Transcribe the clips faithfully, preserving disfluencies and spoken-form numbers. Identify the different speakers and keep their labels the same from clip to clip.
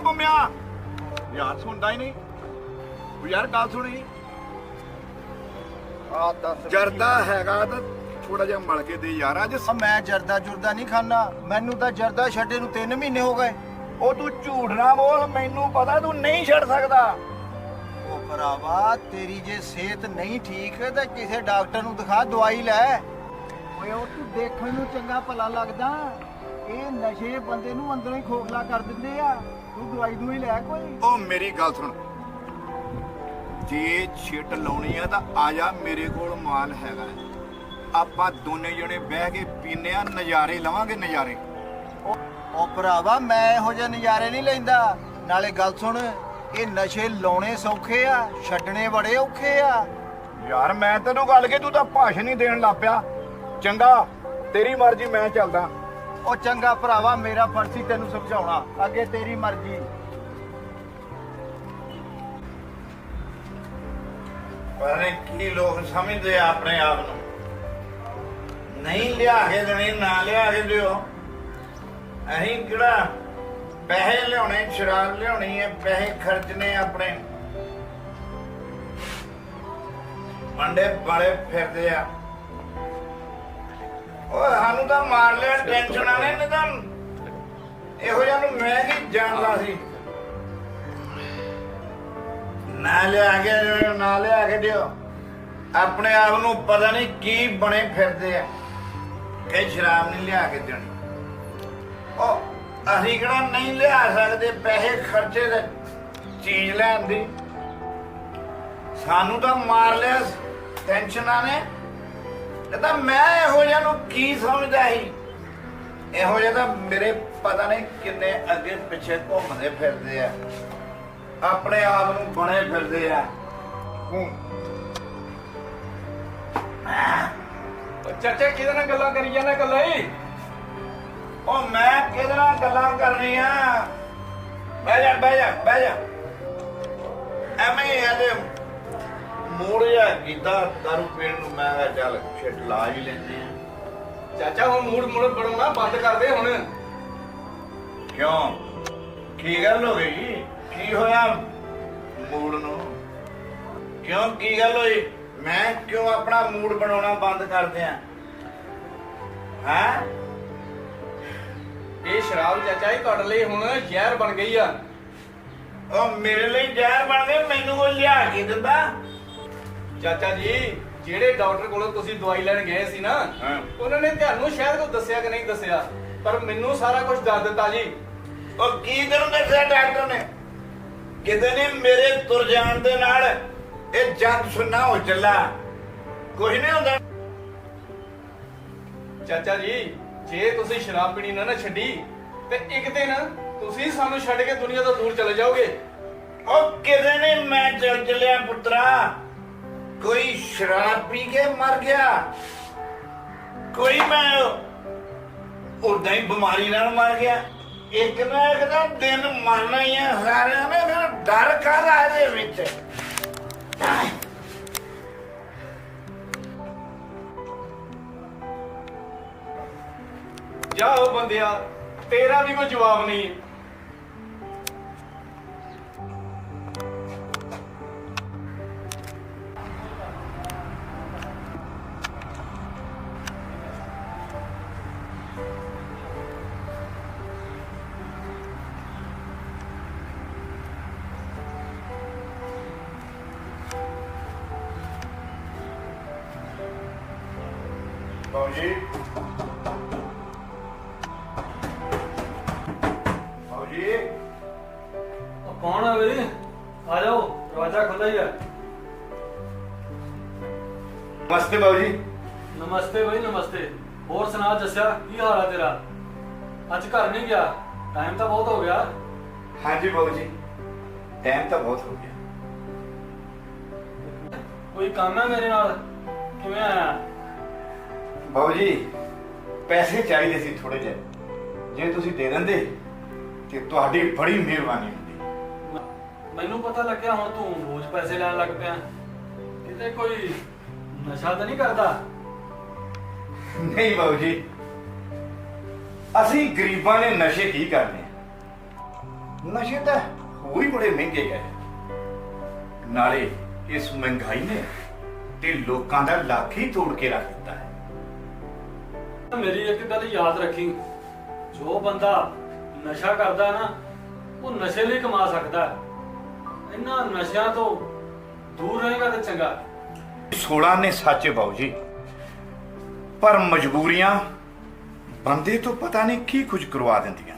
Speaker 1: घूमया यार सुनता ही नहीं यार गल सुनी जरदा हैगा तो थोड़ा जिहा मल के दे यार अज
Speaker 2: मैं जरदा जुरदा नहीं खाना मैनू तो जरदा छड्डे नूं तीन महीने हो गए
Speaker 1: ओ तू झूठ ना बोल मैनू पता तू नहीं छड़ सकदा
Speaker 2: ओ भरावा तेरी जे सेहत नहीं ठीक है तो किसी डॉक्टर नूं दिखा दवाई लै ओए ओ तू देखण नूं चंगा भला लगदा ਇਹ ਨਸ਼ੇ ਬੰਦੇ ਨੂੰ ਅੰਦਰੋਂ ਹੀ ਖੋਖਲਾ ਕਰ ਦਿੰਦੇ ਆ ਤੂੰ ਦਵਾਈ ਦੂਈ ਲੈ ਕੋਈ
Speaker 1: ओ मेरी गल सुन जे छिट लाउणी आ तां आ जा मेरे कोल माल हैगा ਆਪਾਂ ਦੋਨੇ ਜਣੇ ਬਹਿ ਕੇ ਪੀਨੇ ਆ ਨਜ਼ਾਰੇ ਲਵਾਂਗੇ ਨਜ਼ਾਰੇ
Speaker 2: ਉਹ ਭਰਾਵਾ ਮੈਂ ਇਹੋ ਜਿਹੇ ਨਜ਼ਾਰੇ ਨਹੀਂ ਲੈਂਦਾ ਨਾਲੇ ਗੱਲ ਸੁਣ ਇਹ ਨਸ਼ੇ ਲਾਉਣੇ ਸੌਖੇ ਆ ਛੱਡਣੇ ਬੜੇ ਔਖੇ ਆ
Speaker 1: ਯਾਰ ਮੈਂ ਤੈਨੂੰ ਗੱਲ ਕੇ ਤੂੰ ਤਾਂ ਭਾਸ਼ਣ ਹੀ ਦੇਣ ਲੱਗ ਪਿਆ ਚੰਗਾ ਤੇਰੀ ਮਰਜ਼ੀ ਮੈਂ ਚੱਲਦਾ
Speaker 2: ਉਹ ਚੰਗਾ ਭਰਾਵਾ ਮੇਰਾ ਫਰਜ਼ ਸੀ ਤੈਨੂੰ ਸਮਝਾਉਣਾ ਅੱਗੇ ਤੇਰੀ ਮਰਜ਼ੀ
Speaker 3: पर की लोग समझते अपने आप को नहीं लिया के देने ना लिया के दियो अहीं किहड़ा पैसे लियाने शराब लियानी है पैसे खर्चने अपने मंडे बड़े फिरते आ ओए सानू तो मार लिया टेंशन आने नहीं तो इहो जिहा नूं मैं की जानदा सी ना लिया के ना लिया के दियो अपने आप नूं पता नहीं की बने फिरदे आ कि शराब नहीं लिया के देनी ओ असीं किहड़ा नहीं लिया सकदे पैसे खर्चे ते चीज लैण दी सानू तो मार लिया टेंशनां ने ते मैं इहो जिहा नूं की समझदा सी इहो जिहा तां मेरे पता नहीं किन्ने अगे पिछे घूमदे फिरदे आ अपने आप नूं बने फिरदे आ
Speaker 4: चाचा किहदे नाल गल्लां करी जाना कल्ला ही
Speaker 3: ओ मैं किहदे नाल गल्लां करनियां बह जा बह जा बह जा एवें ही अजे मूड जिहा कीता दारू पीण नूं मैं किहा चल छिट ला ही लैंदे आ
Speaker 4: चाचा हुण मूड मूड बनाउणा बंद कर दे हुण
Speaker 3: क्यों की गल हो गई की होया मूड नूं क्यों की गल होई मैं क्यों अपना मूड बनाना बंद कर दिया हैं
Speaker 4: ये शराब चाचा ही कट लई हुण जहर बन गई आ
Speaker 3: ओ मेरे लिए जहर बन गई मैनू कोई लिया के दिंदा
Speaker 4: चाचा जी ਜਿਹੜੇ ਡਾਕਟਰ ਕੋਲੋਂ ਤੁਸੀਂ ਦਵਾਈ ਲੈਣ ਗਏ ਸੀ ਨਾ ਉਹਨਾਂ ਨੇ ਤੁਹਾਨੂੰ ਸ਼ਾਇਦ ਕੋਈ ਦੱਸਿਆ ਕਿ ਨਹੀਂ ਦੱਸਿਆ ਪਰ ਮੈਨੂੰ ਸਾਰਾ ਕੁਝ ਦੱਸ ਦਿੱਤਾ ਜੀ
Speaker 3: ਉਹ ਕੀ ਕਰਨ ਦੱਸਿਆ ਡਾਕਟਰ ਨੇ ਕਿਤੇ ਨੇ ਮੇਰੇ ਤੁਰ ਜਾਣ ਦੇ ਨਾਲ ਇਹ ਜੱਗ ਸੁਣਨਾ ਹੋ ਚੱਲਾ ਕੁਝ ਨਹੀਂ ਹੁੰਦਾ
Speaker 4: ਚਾਚਾ ਜੀ ਜੇ ਤੁਸੀਂ ਸ਼ਰਾਬ ਪੀਣੀ ਨਾ ਨਾ ਛੱਡੀ ਤੇ ਇੱਕ ਦਿਨ ਤੁਸੀਂ ਸਾਨੂੰ ਛੱਡ ਕੇ ਦੁਨੀਆ ਤੋਂ ਦੂਰ ਚਲੇ ਜਾਓਗੇ
Speaker 3: ਉਹ ਕਿਤੇ ਨੇ ਮੈਂ ਚੱਲ ਚੱਲਿਆ ਪੁੱਤਰਾ कोई शराब पी के मर गया कोई मैं उदा ही बीमारी नाल मर गया एक ना एक ना दिन मरना ही है सारे ने फिर डर काहदा इहदे विच
Speaker 4: जाओ बंदिया तेरा भी कोई जवाब नहीं
Speaker 3: बाबूजी बाबूजी
Speaker 5: कौन है भाई आ जाओ दरवाजा खुला ही है
Speaker 3: नमस्ते बाबूजी
Speaker 5: नमस्ते भाई नमस्ते और सुना जस्या की हाल है तेरा अज घर नहीं गया टाइम तो बहुत हो गया
Speaker 3: हाँ जी बाबूजी टाइम तो बहुत हो गया
Speaker 5: कोई काम है मेरे नाल किवें आया
Speaker 3: बाबूजी पैसे चाहिए सी थोड़े जे जे तुसी दे देंदे ते तुहाडी बड़ी मेहरबानी हुंदी
Speaker 5: मैनू पता लग्या हुण तू रोज पैसे लैन लग पिया किते कोई नशा तो नहीं करता
Speaker 3: नहीं बाबूजी असी गरीबां ने नशे की करने
Speaker 1: ਨਸ਼ੇ ਤਾਂ ਹੋ ਹੀ ਬੜੇ ਮਹਿੰਗੇ ਗਏ, ਨਾਲੇ ਇਸ ਮਹਿੰਗਾਈ ਨੇ ਤੇ ਲੋਕਾਂ ਦਾ ਲੱਕ ਹੀ ਤੋੜ ਕੇ ਰੱਖ ਦਿੱਤਾ ਹੈ।
Speaker 5: ਮੇਰੀ ਇੱਕ ਗੱਲ ਯਾਦ ਰੱਖੀ, ਜੋ ਬੰਦਾ ਨਸ਼ਾ ਕਰਦਾ ਨਾ ਉਹ ਨਸ਼ੇ ਲਈ ਕਮਾ ਸਕਦਾ ਹੈ। ਇਹਨਾਂ ਨਸ਼ਿਆਂ ਤੋਂ ਦੂਰ ਰਹੇਗਾ ਤੇ ਚੰਗਾ।
Speaker 1: ਸੋਲਾਂ ਨੇ ਸੱਚ ਹੈ ਬਾਊ ਜੀ, ਪਰ ਮਜਬੂਰੀਆਂ ਬੰਦੇ ਤੋਂ ਪਤਾ ਨਹੀਂ ਕੀ ਕੁਝ ਕਰਵਾ ਦਿੰਦੀਆਂ।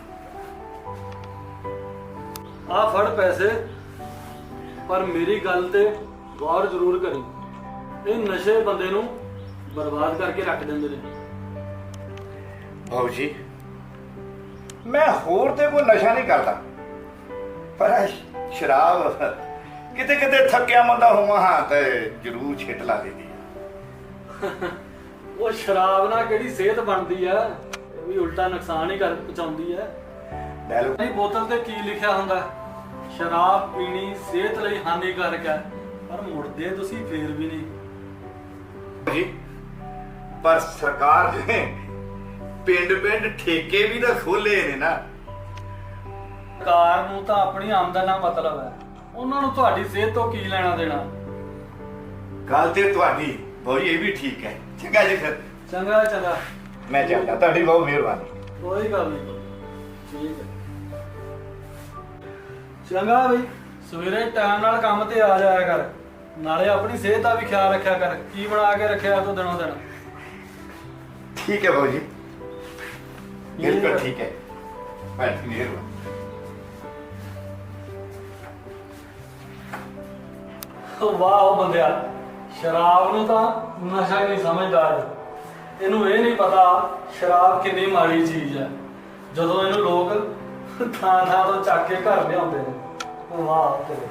Speaker 5: ਆ ਫੜ ਪੈਸੇ, ਪਰ ਮੇਰੀ ਗੱਲ ਤੇ ਗੌਰ ਜ਼ਰੂਰ ਕਰੀ। ਇਹ ਨਸ਼ੇ ਬੰਦੇ ਨੂੰ ਬਰਬਾਦ ਕਰਕੇ ਰੱਖ ਦਿੰਦੇ ਨੇ।
Speaker 1: ਬਾਊ ਜੀ ਮੈਂ ਹੋਰ ਤੇ ਕੋਈ ਨਸ਼ਾ ਨਹੀਂ ਕਰਦਾ, ਪਰ ਇਹ ਸ਼ਰਾਬ ਕਿਤੇ ਕਿਤੇ ਥੱਕਿਆ ਮੰਦਾ ਹੋਵਾਂ ਹਾਂ ਤੇ ਜ਼ਰੂਰ ਛਿੱਟ ਲਾ ਦਿੰਦੀ ਆ।
Speaker 5: ਉਹ ਸ਼ਰਾਬ ਨਾਲ ਕਿਹੜੀ ਸਿਹਤ ਬਣਦੀ ਆ, ਇਹ ਵੀ ਉਲਟਾ ਨੁਕਸਾਨ ਹੀ ਕਰ ਪਹੁੰਚਾਉਂਦੀ ਹੈ।
Speaker 1: ਲੈ ਲਓ
Speaker 5: ਇਹ ਬੋਤਲ ਤੇ ਕੀ ਲਿਖਿਆ ਹੁੰਦਾ? ਸ਼ਰਾਬ ਪੀਣੀ ਸਿਹਤ ਲਈ ਹਾਨੀਕਾਰਕ ਹੈ, ਪਰ ਮੁੜਦੇ ਤੁਸੀਂ ਫੇਰ ਵੀ ਨਹੀਂ।
Speaker 1: ਜੀ ਪਰ ਸਰਕਾਰ ਨੇ ਪਿੰਡ ਪਿੰਡ ਠੇਕੇ ਵੀ ਤਾਂ ਖੋਲੇ ਨੇ ਨਾ।
Speaker 5: ਸਰਕਾਰ ਨੂੰ ਤਾਂ ਆਪਣੀ ਆਮਦਨ ਨਾਲ ਮਤਲਬ ਹੈ, ਉਹਨਾਂ ਨੂੰ ਤੁਹਾਡੀ ਸਿਹਤ ਤੋਂ ਕੀ ਲੈਣਾ ਦੇਣਾ।
Speaker 1: ਗੱਲ ਤੇ ਤੁਹਾਡੀ ਬਾਊ ਜੀ ਇਹ ਵੀ ਠੀਕ ਹੈ। ਚੰਗਾ ਜੀ ਫਿਰ
Speaker 5: ਚੰਗਾ ਚੰਗਾ,
Speaker 1: ਮੈਂ ਜਾਂਦਾ, ਤੁਹਾਡੀ ਬਹੁਤ ਮਿਹਰਬਾਨੀ।
Speaker 5: ਕੋਈ ਗੱਲ ਨਹੀਂ, ਠੀਕ ਹੈ। ਚੰਗਾ ਬਈ, ਸਵੇਰੇ ਟਾਈਮ ਨਾਲ ਕੰਮ ਤੇ ਆ ਜਾਇਆ ਕਰ, ਨਾਲੇ ਆਪਣੀ ਸਿਹਤ ਦਾ ਵੀ ਖਿਆਲ ਰੱਖਿਆ ਕਰ। ਕੀ ਬਣਾ ਕੇ ਰੱਖਿਆ ਤੂੰ ਦਿਨੋਂ ਦਿਨ?
Speaker 1: ਠੀਕ ਹੈ ਬਾਊ ਜੀ, ਬਿਲਕੁਲ ਠੀਕ ਹੈ। ਬਹੁਤ ਮਿਹਰਬਾਨੀ।
Speaker 5: ਵਾਹ ਉਹ ਬੰਦਿਆ, ਸ਼ਰਾਬ ਨੂੰ ਤਾਂ ਨਸ਼ਾ ਹੀ ਨਹੀਂ ਸਮਝਦਾ। ਇਹਨੂੰ ਇਹ ਨਹੀਂ ਪਤਾ ਸ਼ਰਾਬ ਕਿੰਨੀ ਮਾੜੀ ਚੀਜ਼ ਹੈ, ਜਦੋਂ ਇਹਨੂੰ ਲੋਕ ਥਾਂ ਥਾਂ ਤੋਂ ਚੱਕ ਕੇ ਘਰ ਲਿਆਉਂਦੇ ਨੇ। ਵਾਹ ਤੇਰੇ।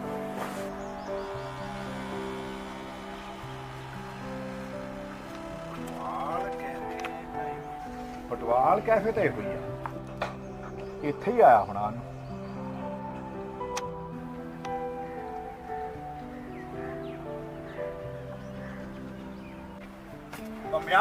Speaker 1: ਫੁੱਟਬਾਲ ਕੈਫੇ ਤੇ ਹੋਈ ਆ, ਇੱਥੇ ਹੀ ਆਇਆ ਹੋਣਾ ਉਹਨੂੰ। ਕੰਮਿਆ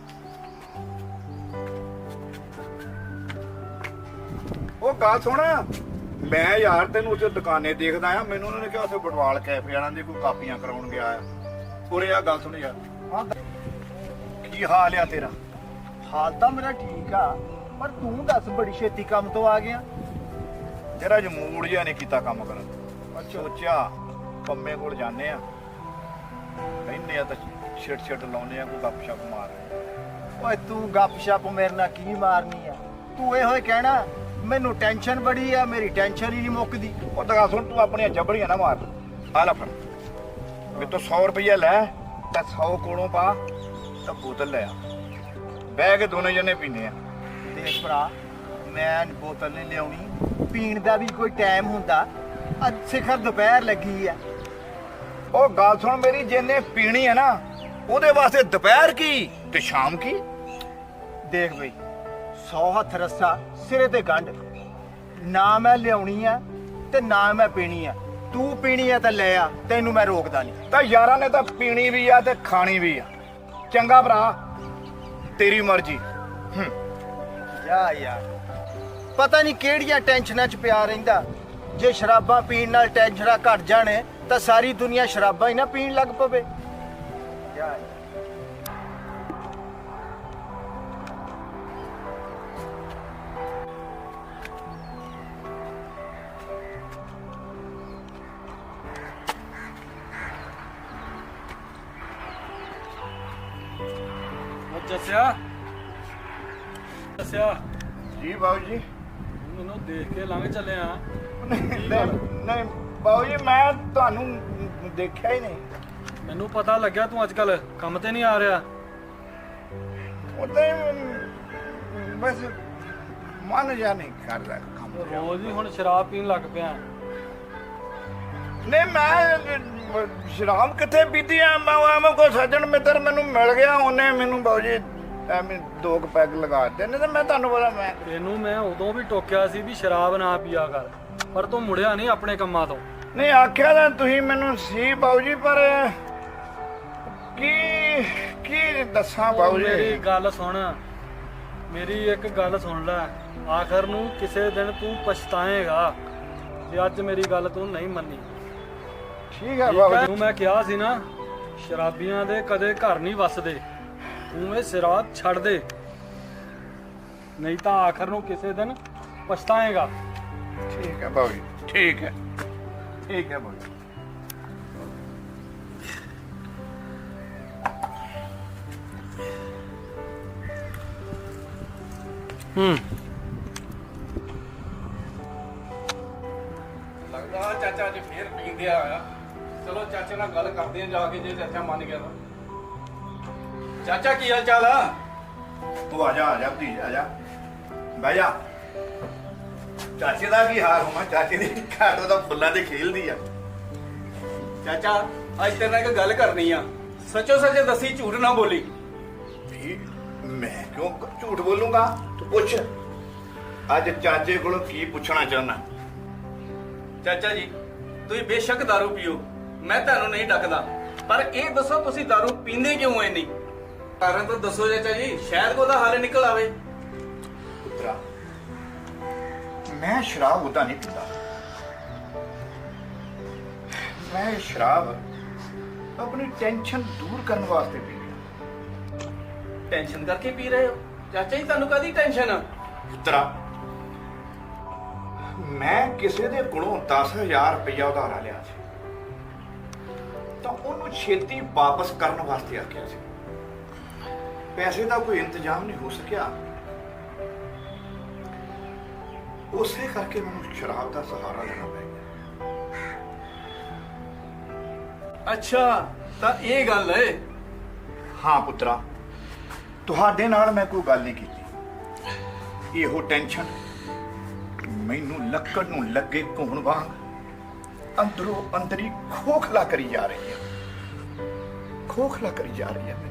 Speaker 1: ਉਹ ਗੱਲ ਸੁਣ, ਮੈਂ ਯਾਰ ਤੈਨੂੰ ਉੱਥੇ ਦੁਕਾਨੇ ਦੇਖਦਾ ਆ, ਮੈਨੂੰ ਉਹਨਾਂ ਨੇ ਕਿਹਾ ਉੱਥੇ ਫੁੱਟਬਾਲ ਕੈਫੇ ਆਣਾ ਦੀ ਕੋਈ ਕਾਪੀਆਂ ਕਰਾਉਣ ਗਿਆ ਆ। ਉਰੇ ਆ ਗੱਲ ਸੁਣ ਯਾਰ,
Speaker 2: ਹਾਂ
Speaker 1: ਕੀ ਹਾਲ ਆ ਤੇਰਾ?
Speaker 2: ਹਾਲ ਤਾਂ ਮੇਰਾ ਠੀਕ ਆ, ਪਰ ਤੂੰ ਦੱਸ ਬੜੀ ਛੇਤੀ ਕੰਮ ਤੋਂ ਆ ਗਿਆ।
Speaker 1: ਤੇਰਾ ਅੱਜ ਮੂਡ ਜਿਹਾ ਨਹੀਂ ਕੀਤਾ ਕੰਮ ਕਰਨ ਦਾ। ਸੋਚਿਆ ਪੰਮੇ ਕੋਲ ਜਾਂਦੇ ਆ, ਕਹਿੰਦੇ ਆ ਤਾਂ ਛਿੜ ਛਿੜ ਲਾਉਨੇ ਆ, ਕੋਈ ਗੱਪ ਸ਼ੱਪ ਮਾਰ।
Speaker 2: ਓਏ ਤੂੰ ਗੱਪ ਸ਼ੱਪ ਮੇਰੇ ਨਾਲ ਕੀ ਮਾਰਨੀ ਆ? ਤੂੰ ਇਹੋ ਹੀ ਕਹਿਣਾ ਮੈਨੂੰ ਟੈਨਸ਼ਨ ਬੜੀ ਆ, ਮੇਰੀ ਟੈਨਸ਼ਨ ਹੀ ਨਹੀਂ ਮੁੱਕਦੀ।
Speaker 1: ਉਹ ਤਾਂ ਗੱਲ ਸੁਣ, ਤੂੰ ਆਪਣੀਆਂ ਜਬੜੀਆਂ ਨਾ ਮਾਰ। ਆ ਲੈ ਫੜ, ਮੇਰੇ ਤੋਂ ਸੌ ਰੁਪਈਆ ਲੈ ਤਾਂ ਸੌ ਕੋਲੋਂ ਪਾ ਤਾਂ ਬੋਤਲ ਲੈ ਆ, ਬਹਿ ਕੇ ਦੋਨੇ ਜਣੇ ਪੀਂਦੇ ਆ।
Speaker 2: ਦੇਖ ਭਰਾ, ਮੈਂ ਬੋਤਲ ਨਹੀਂ ਲਿਆਉਣੀ, ਪੀਣ ਦਾ ਵੀ ਕੋਈ ਟਾਈਮ ਹੁੰਦਾ। ਅੱਜ ਸਿਖਰ ਦੁਪਹਿਰ ਲੱਗੀ ਆ।
Speaker 1: ਉਹ ਗੱਲ ਸੁਣ ਮੇਰੀ, ਜਿਹਨੇ ਪੀਣੀ ਹੈ ਨਾ ਉਹਦੇ ਵਾਸਤੇ ਦੁਪਹਿਰ ਕੀ ਤੇ ਸ਼ਾਮ ਕੀ।
Speaker 2: ਦੇਖ ਬਈ, ਸੌ ਹੱਥ ਰੱਸਾ ਸਿਰੇ ਤੇ ਗੰਢ, ਨਾ ਮੈਂ ਲਿਆਉਣੀ ਆ ਤੇ ਨਾ ਮੈਂ ਪੀਣੀ ਆ। ਤੂੰ ਪੀਣੀ ਆ ਤਾਂ ਲੈ ਆ, ਤੈਨੂੰ ਮੈਂ ਰੋਕਦਾ ਨਹੀਂ।
Speaker 1: ਤਾਂ ਯਾਰਾਂ ਨੇ ਤਾਂ ਪੀਣੀ ਵੀ ਆ ਤੇ ਖਾਣੀ ਵੀ ਆ। ਚੰਗਾ ਭਰਾ, ਤੇਰੀ ਮਰਜ਼ੀ। ਹੂੰ
Speaker 2: ਜਾ ਯਾਰ, ਪਤਾ ਨਹੀਂ ਕਿਹੜੀਆਂ ਟੈਨਸ਼ਨਾਂ 'ਚ ਪਿਆ ਰਹਿੰਦਾ। ਜੇ ਸ਼ਰਾਬਾਂ ਪੀਣ ਨਾਲ ਟੈਨਸ਼ਨਾਂ ਘਟ ਜਾਣੇ ਤਾਂ ਸਾਰੀ ਦੁਨੀਆ ਸ਼ਰਾਬਾਂ ਹੀ ਨਾ ਪੀਣ ਲੱਗ ਪਵੇ। ਜਾ ਯਾਰ।
Speaker 5: ਉਹ ਜੱਸਿਆ ਜੱਸਿਆ,
Speaker 1: ਜੀ ਬਾਊ ਜੀ।
Speaker 5: ਮੈਨੂੰ ਦੇਖ ਕੇ ਲੰਘ ਚੱਲਿਆ।
Speaker 1: ਨਹੀਂ ਨਹੀਂ ਬਾਊ ਜੀ, ਮੈਂ ਤੁਹਾਨੂੰ ਦੇਖਿਆ ਹੀ ਨਹੀਂ।
Speaker 5: ਮੈਨੂੰ ਪਤਾ ਲੱਗਿਆ ਤੂੰ ਅੱਜ ਕੱਲ ਕੰਮ ਤੇ ਨਹੀਂ ਆ ਰਿਹਾ।
Speaker 1: ਉਦਾਂ ਹੀ ਬਸ ਮਨ ਜਿਹਾ ਨਹੀਂ ਕਰਦਾ ਕੰਮ ਤੇ।
Speaker 5: ਰੋਜ਼ ਹੀ ਹੁਣ ਸ਼ਰਾਬ ਪੀਣ ਲੱਗ ਪਿਆ।
Speaker 1: ਨਹੀਂ ਮੈਂ ਸ਼ਰਾਬ ਕਿੱਥੇ ਪੀਤੀ ਆ? ਮੈਂ ਐਵੇਂ ਕੋਈ ਸੱਜਣ ਮਿੱਤਰ ਮੈਨੂੰ ਮਿਲ ਗਿਆ, ਉਹਨੇ ਮੈਨੂੰ ਬਾਊ ਜੀ ਐਵੇਂ ਦੋ ਕੁ ਪੈਗ ਲਗਾ ਦਿੱਤੇ ਨੇ। ਤੇ ਮੈਂ ਤੁਹਾਨੂੰ ਪਤਾ, ਮੈਂ
Speaker 5: ਤੈਨੂੰ ਮੈਂ ਉਦੋਂ ਵੀ ਟੋਕਿਆ ਸੀ ਵੀ ਸ਼ਰਾਬ ਨਾ ਪੀਆ ਕਰ, ਪਰ ਤੂੰ ਮੁੜਿਆ ਨਹੀਂ ਆਪਣੇ ਕੰਮਾਂ ਤੋਂ।
Speaker 1: ਨਹੀਂ ਆਖਿਆ ਤਾਂ ਤੁਸੀਂ ਮੈਨੂੰ ਸੀ ਬਾਊ ਜੀ, ਪਰ ਕੀ ਕੀ ਦੱਸਾਂ ਬਾਊ
Speaker 5: ਮੇਰੀ
Speaker 1: ਜੀ।
Speaker 5: ਗੱਲ ਸੁਣ, ਮੇਰੀ ਇੱਕ ਗੱਲ ਸੁਣ ਲੈ। ਆਖਰ ਨੂੰ ਕਿਸੇ ਦਿਨ ਤੂੰ ਪਛਤਾਏਗਾ ਜੇ ਅੱਜ ਮੇਰੀ ਗੱਲ ਤੂੰ ਨਹੀਂ ਮੰਨੀ।
Speaker 2: ਠੀਕ ਹੈ
Speaker 5: ਠੀਕ
Speaker 2: ਬਾਬਾ
Speaker 5: ਹੈ?
Speaker 2: ਜੀ।
Speaker 5: ਤੂੰ ਮੈਂ ਕਿਹਾ ਸੀ ਨਾ, ਸ਼ਰਾਬੀਆਂ ਦੇ ਕਦੇ ਘਰ ਨਹੀਂ ਵਸਦੇ। ਤੂੰ ਇਹ ਸ਼ਰਾਬ ਛੱਡ ਦੇ, ਨਹੀਂ ਤਾਂ ਆਖਰ ਨੂੰ ਕਿਸੇ ਦਿਨ ਪਛਤਾਏਗਾ।
Speaker 1: ਠੀਕ ਹੈ ਬਾਬੂ ਜੀ, ਠੀਕ ਹੈ, ਠੀਕ ਹੈ ਬਾਬੂ ਜੀ।
Speaker 5: ਹੂੰ
Speaker 4: ਲੱਗਦਾ ਚਾਚਾ ਅੱਜ ਫੇਰ ਪੀਂਦੇ ਆਇਆ। ਚਲੋ ਚਾਚੇ ਨਾਲ ਗੱਲ ਕਰਦੇ ਆ ਜਾ ਕੇ, ਜੇ ਚਾਚਾ ਮੰਨ ਗਿਆ ਤਾਂ। ਚਾਚਾ ਕੀ ਹਾਲ ਚਾਲ ਆ?
Speaker 1: ਤੂੰ ਆ ਜਾ, ਆ ਜਾ ਭਤੀਜ, ਆ ਜਾ, ਬਹਿ ਜਾ। ਚਾਚੇ ਦਾ ਕੀ ਹਾਲ ਹੋਣਾ, ਚਾਚੇ ਦੀ ਘਾਟੋ ਤਾਂ ਫੁੱਲਾਂ ਤੇ ਖੇਲਦੀ ਆ।
Speaker 4: ਚਾਚਾ ਅੱਜ ਤੇਰੇ ਨਾਲ ਇੱਕ ਗੱਲ ਕਰਨੀ ਆ, ਸੱਚੋ ਸੱਚ ਦੱਸੀ, ਝੂਠ ਨਾ ਬੋਲੀ।
Speaker 1: ਵੀ ਮੈਂ ਕਿਉਂ ਝੂਠ ਬੋਲੂੰਗਾ? ਤੂੰ ਪੁੱਛ ਅੱਜ ਚਾਚੇ ਕੋਲੋਂ ਕੀ ਪੁੱਛਣਾ ਚਾਹੁੰਦਾ।
Speaker 4: ਚਾਚਾ ਜੀ ਤੁਸੀਂ ਬੇਸ਼ੱਕ ਦਾਰੂ ਪੀਓ, ਮੈਂ ਤੁਹਾਨੂੰ ਨਹੀਂ ਡੱਕਦਾ, ਪਰ ਇਹ ਦੱਸੋ ਤੁਸੀਂ ਦਾਰੂ ਪੀਂਦੇ ਕਿਉਂ ਐ? ਨਹੀਂ ਕਾਰਨ ਤਾਂ ਦੱਸੋ ਚਾਚਾ ਜੀ, ਸ਼ਾਇਦ ਉਹਦਾ ਹੱਲ ਨਿਕਲ ਆਵੇ।
Speaker 1: ਪੁੱਤਰਾ, ਮੈਂ ਸ਼ਰਾਬ ਉਦਾਂ ਨਹੀਂ ਪੀਂਦਾ। ਮੈਂ ਸ਼ਰਾਬ ਆਪਣੀ ਟੈਨਸ਼ਨ ਦੂਰ ਕਰਨ ਵਾਸਤੇ ਪੀਂਦਾ।
Speaker 4: ਟੈਨਸ਼ਨ ਕਰਕੇ ਪੀ ਰਹੇ ਹੋ? ਚਾਚਾ ਜੀ ਤੁਹਾਨੂੰ ਕਾਹਦੀ ਟੈਨਸ਼ਨ ਆ?
Speaker 1: ਪੁੱਤਰਾ, ਮੈਂ ਕਿਸੇ ਦੇ ਕੋਲੋਂ ਦਸ ਹਜ਼ਾਰ ਰੁਪਇਆ ਉਧਾਰਾ ਲਿਆ ਸੀ, ਤਾਂ ਉਹਨੂੰ ਛੇਤੀ ਵਾਪਸ ਕਰਨ ਵਾਸਤੇ ਆਖਿਆ ਸੀ। ਪੈਸੇ ਦਾ ਕੋਈ ਇੰਤਜ਼ਾਮ ਨਹੀਂ ਹੋ ਸਕਿਆ, ਉਸੇ ਕਰਕੇ ਮੈਨੂੰ ਸ਼ਰਾਬ ਦਾ ਸਹਾਰਾ ਲੈਣਾ ਪੈ ਗਿਆ।
Speaker 4: ਅੱਛਾ ਤਾਂ ਇਹ ਗੱਲ ਹੈ।
Speaker 1: ਹਾਂ ਪੁੱਤਰਾ, ਤੁਹਾਡੇ ਨਾਲ ਮੈਂ ਕੋਈ ਗੱਲ ਨਹੀਂ ਕੀਤੀ। ਇਹੋ ਟੈਨਸ਼ਨ ਮੈਨੂੰ ਲੱਕੜ ਨੂੰ ਲੱਗੇ ਘੁਣ ਵਾਂਗ ਅੰਦਰੋਂ ਅੰਦਰੀ ਖੋਖਲਾ ਕਰੀ ਜਾ ਰਹੀ ਹੈ, ਖੋਖਲਾ ਕਰੀ ਜਾ ਰਹੀ ਹੈ ਮੈਨੂੰ।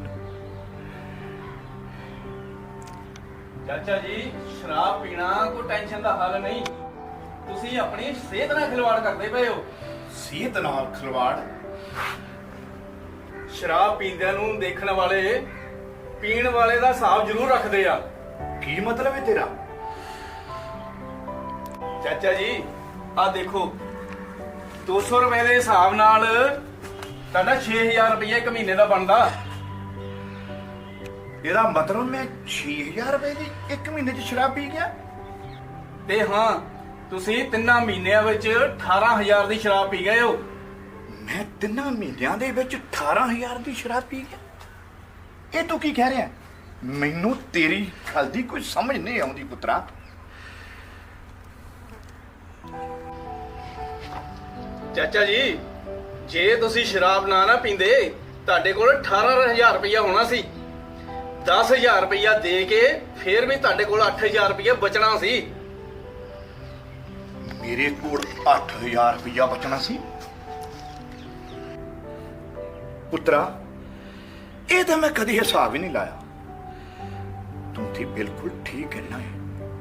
Speaker 4: ਚਾਚਾ ਜੀ ਸ਼ਰਾਬ ਪੀਣਾ ਕੋਈ ਟੈਨਸ਼ਨ ਦਾ ਹੱਲ ਨਹੀਂ, ਤੁਸੀਂ ਆਪਣੀ ਸਿਹਤ ਨਾਲ ਖਿਲਵਾੜ ਕਰਦੇ ਪਏ ਹੋ।
Speaker 1: ਸਿਹਤ ਨਾਲ ਖਿਲਵਾੜ?
Speaker 4: ਸ਼ਰਾਬ ਪੀਂਦਿਆਂ ਨੂੰ ਦੇਖਣ ਵਾਲੇ ਪੀਣ ਵਾਲੇ ਦਾ ਹਿਸਾਬ ਜ਼ਰੂਰ ਰੱਖਦੇ ਆ।
Speaker 1: ਕੀ ਮਤਲਬ ਹੈ ਤੇਰਾ?
Speaker 4: ਚਾਚਾ ਜੀ ਆ ਦੇਖੋ, ਦੋ ਸੌ ਰੁਪਏ ਦੇ ਹਿਸਾਬ ਨਾਲ ਤੁਹਾਡਾ ਛੇ ਹਜ਼ਾਰ ਰੁਪਏ ਇੱਕ ਮਹੀਨੇ ਦਾ ਬਣਦਾ।
Speaker 1: ਇਹਦਾ ਮਤਲਬ ਮੈਂ ਛੇ ਹਜ਼ਾਰ ਰੁਪਏ ਦੀ ਇੱਕ ਮਹੀਨੇ 'ਚ ਸ਼ਰਾਬ ਪੀ ਗਿਆ?
Speaker 4: ਤੇ ਹਾਂ, ਤੁਸੀਂ ਤਿੰਨਾਂ ਮਹੀਨਿਆਂ ਵਿੱਚ ਅਠਾਰਾਂ ਹਜ਼ਾਰ ਦੀ ਸ਼ਰਾਬ ਪੀ ਗਏ ਹੋ।
Speaker 1: ਮੈਂ ਤਿੰਨਾਂ ਮਹੀਨਿਆਂ ਦੇ ਵਿੱਚ ਅਠਾਰਾਂ ਹਜ਼ਾਰ ਦੀ ਸ਼ਰਾਬ ਪੀ ਗਿਆ? ਇਹ ਤੂੰ ਕੀ ਕਹਿ ਰਿਹਾ? ਮੈਨੂੰ ਤੇਰੀ ਗੱਲ ਦੀ ਕੋਈ ਸਮਝ ਨਹੀਂ ਆਉਂਦੀ ਪੁੱਤਰਾ।
Speaker 4: ਚਾਚਾ ਜੀ ਜੇ ਤੁਸੀਂ ਸ਼ਰਾਬ ਨਾ ਨਾ ਪੀਂਦੇ, ਤੁਹਾਡੇ ਕੋਲ ਅਠਾਰਾਂ ਹਜ਼ਾਰ ਰੁਪਇਆ ਹੋਣਾ ਸੀ। ਦਸ ਹਜ਼ਾਰ ਰੁਪਇਆ ਦੇ ਕੇ ਫਿਰ ਵੀ ਤੁਹਾਡੇ ਕੋਲ ਅੱਠ ਹਜ਼ਾਰ ਰੁਪਇਆ ਬਚਣਾ ਸੀ।
Speaker 1: ਮੇਰੇ ਕੋਲ ਅੱਠ ਹਜ਼ਾਰ ਰੁਪਇਆ ਬਚਣਾ ਸੀ? ਪੁੱਤਰਾ, ਇਹ ਤਾਂ ਮੈਂ ਕਦੀ ਹਿਸਾਬ ਹੀ ਨਹੀਂ ਲਾਇਆ। ਤੂੰ ਤੇ ਬਿਲਕੁਲ ਠੀਕ ਕਹਿਣਾ ਹੈ।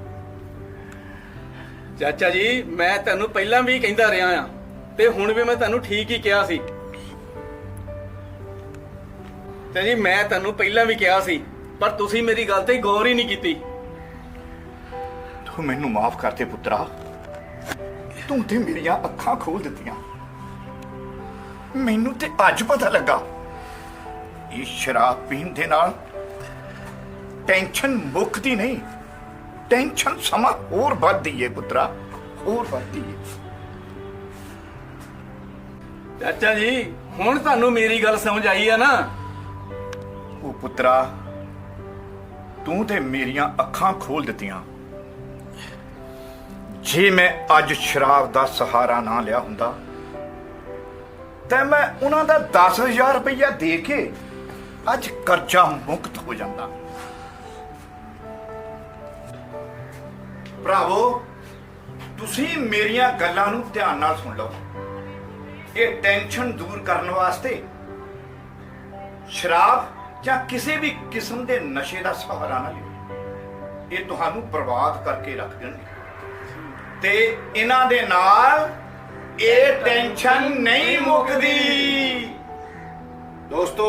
Speaker 4: ਚਾਚਾ ਜੀ ਮੈਂ ਤੁਹਾਨੂੰ ਪਹਿਲਾਂ ਵੀ ਕਹਿੰਦਾ ਰਿਹਾ ਆ, ਤੇ ਹੁਣ ਵੀ ਮੈਂ ਤੁਹਾਨੂੰ ਠੀਕ ਹੀ ਕਿਹਾ ਸੀ। ਤੇ ਜੀ ਮੈਂ ਤੁਹਾਨੂੰ ਪਹਿਲਾਂ ਵੀ ਕਿਹਾ ਸੀ, ਪਰ ਤੁਸੀਂ ਮੇਰੀ ਗੱਲ ਤੇ ਗੌਰ ਹੀ ਨਹੀਂ ਕੀਤੀ।
Speaker 1: ਤੂੰ ਮੈਨੂੰ ਮਾਫ ਕਰ ਦੇ ਪੁੱਤਰਾ, ਤੂੰ ਤੇ ਮੇਰੀਆਂ ਅੱਖਾਂ ਖੋਲ ਦਿੱਤੀਆਂ। ਮੈਨੂੰ ਤੇ ਅੱਜ ਪਤਾ ਲੱਗਾ, ਇਹ ਸ਼ਰਾਬ ਪੀਣ ਦੇ ਨਾਲ ਟੈਨਸ਼ਨ ਮੁੱਕਦੀ ਨਹੀਂ, ਟੈਨਸ਼ਨ ਸਮਾਂ ਹੋਰ ਵੱਧਦੀ ਏ ਪੁੱਤਰਾ, ਹੋਰ ਵੱਧਦੀ ਏ।
Speaker 4: ਚਾਚਾ ਜੀ ਹੁਣ ਤੁਹਾਨੂੰ ਮੇਰੀ ਗੱਲ ਸਮਝ ਆਈ ਆ ਨਾ?
Speaker 1: ਉਹ ਪੁੱਤਰਾ, ਤੂੰ ਤੇ ਮੇਰੀਆਂ ਅੱਖਾਂ ਖੋਲ ਦਿੱਤੀਆਂ। ਜੇ ਮੈਂ ਅੱਜ ਸ਼ਰਾਬ ਦਾ ਸਹਾਰਾ ਨਾ ਲਿਆ ਹੁੰਦਾ ਤੇ ਮੈਂ ਉਹਨਾਂ ਦਾ ਦਸ ਹਜ਼ਾਰ ਰੁਪਇਆ ਦੇ ਕੇ ਅੱਜ ਕਰਜ਼ਾ ਮੁਕਤ ਹੋ ਜਾਂਦਾ। ਭਰਾਵੋ, ਤੁਸੀਂ ਮੇਰੀਆਂ ਗੱਲਾਂ ਨੂੰ ਧਿਆਨ ਨਾਲ ਸੁਣ ਲਓ। ਇਹ ਟੈਨਸ਼ਨ ਦੂਰ ਕਰਨ ਵਾਸਤੇ ਸ਼ਰਾਬ ਜਾਂ ਕਿਸੇ ਵੀ ਕਿਸਮ ਦੇ ਨਸ਼ੇ ਦਾ ਸਹਾਰਾ ਨਾ ਲਿਓ। ਇਹ ਤੁਹਾਨੂੰ ਬਰਬਾਦ ਕਰਕੇ ਰੱਖ ਦੇਣਗੇ, ਤੇ ਇਹਨਾਂ ਦੇ ਨਾਲ ਇਹ ਟੈਨਸ਼ਨ ਨਹੀਂ ਮੁੱਕਦੀ। ਦੋਸਤੋ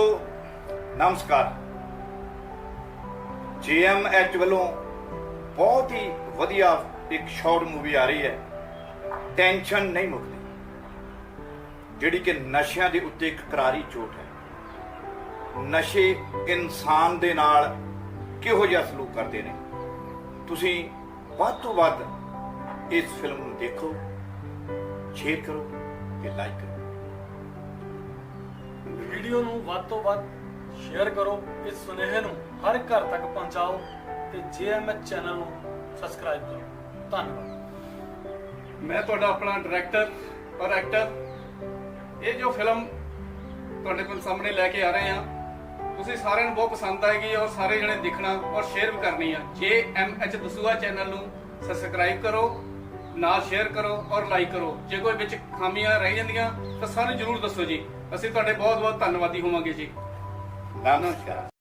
Speaker 1: ਨਮਸਕਾਰ। ਜੀ ਐਮ ਐਚ ਵੱਲੋਂ ਬਹੁਤ ਹੀ ਵਧੀਆ ਇੱਕ ਸ਼ਾਰਟ ਮੂਵੀ ਆ ਰਹੀ ਹੈ, ਟੈਨਸ਼ਨ ਨਹੀਂ ਮੁੱਕਦੀ, ਜਿਹੜੀ ਕਿ ਨਸ਼ਿਆਂ ਦੇ ਉੱਤੇ ਇੱਕ ਕਰਾਰੀ ਚੋਟ ਹੈ। ਨਸ਼ੇ ਇਨਸਾਨ ਦੇ ਨਾਲ ਕਿਹੋ ਜਿਹਾ ਸਲੂਕ ਕਰਦੇ ਨੇ। ਤੁਸੀਂ ਵੱਧ ਤੋਂ ਵੱਧ ਇਸ ਫਿਲਮ ਨੂੰ ਦੇਖੋ, ਸ਼ੇਅਰ ਕਰੋ ਤੇ ਲਾਈਕ ਕਰੋ।
Speaker 5: ਵੀਡੀਓ ਨੂੰ ਵੱਧ ਤੋਂ ਵੱਧ ਸ਼ੇਅਰ ਕਰੋ, ਇਸ ਸੁਨੇਹੇ ਨੂੰ ਹਰ ਘਰ ਤੱਕ ਪਹੁੰਚਾਓ ਤੇ ਜੇ ਐਮ ਐਚ ਚੈਨਲ ਨੂੰ ਸਬਸਕ੍ਰਾਈਬ ਕਰੋ। ਧੰਨਵਾਦ।
Speaker 4: ਮੈਂ ਤੁਹਾਡਾ ਆਪਣਾ ਡਾਇਰੈਕਟਰ ਔਰ ਐਕਟਰ। ਇਹ ਜੋ ਫਿਲਮ ਤੁਹਾਡੇ ਕੋਲ ਸਾਹਮਣੇ ਲੈ ਕੇ ਆ ਰਹੇ ਹਾਂ, ਤੁਸੀਂ ਸਾਰਿਆਂ ਨੂੰ ਬਹੁਤ ਪਸੰਦ ਆਏਗੀ ਔਰ ਸਾਰੇ ਜਣੇ ਦੇਖਣਾ ਔਰ ਸ਼ੇਅਰ ਵੀ ਕਰਨੀ ਆ। J M H Dasuya channel ਨੂੰ ਸਬਸਕ੍ਰਾਈਬ ਕਰੋ, ਨਾਲ ਸ਼ੇਅਰ ਕਰੋ ਔਰ ਲਾਈਕ ਕਰੋ। ਜੇ ਕੋਈ ਵਿੱਚ ਖਾਮੀਆਂ ਰਹਿ ਜਾਂਦੀਆਂ ਤਾਂ ਸਾਨੂੰ ਜ਼ਰੂਰ ਦੱਸੋ ਜੀ, ਅਸੀਂ ਤੁਹਾਡੇ ਬਹੁਤ ਬਹੁਤ ਧੰਨਵਾਦੀ ਹੋਵਾਂਗੇ ਜੀ।
Speaker 1: ਨਮਸਕਾਰ।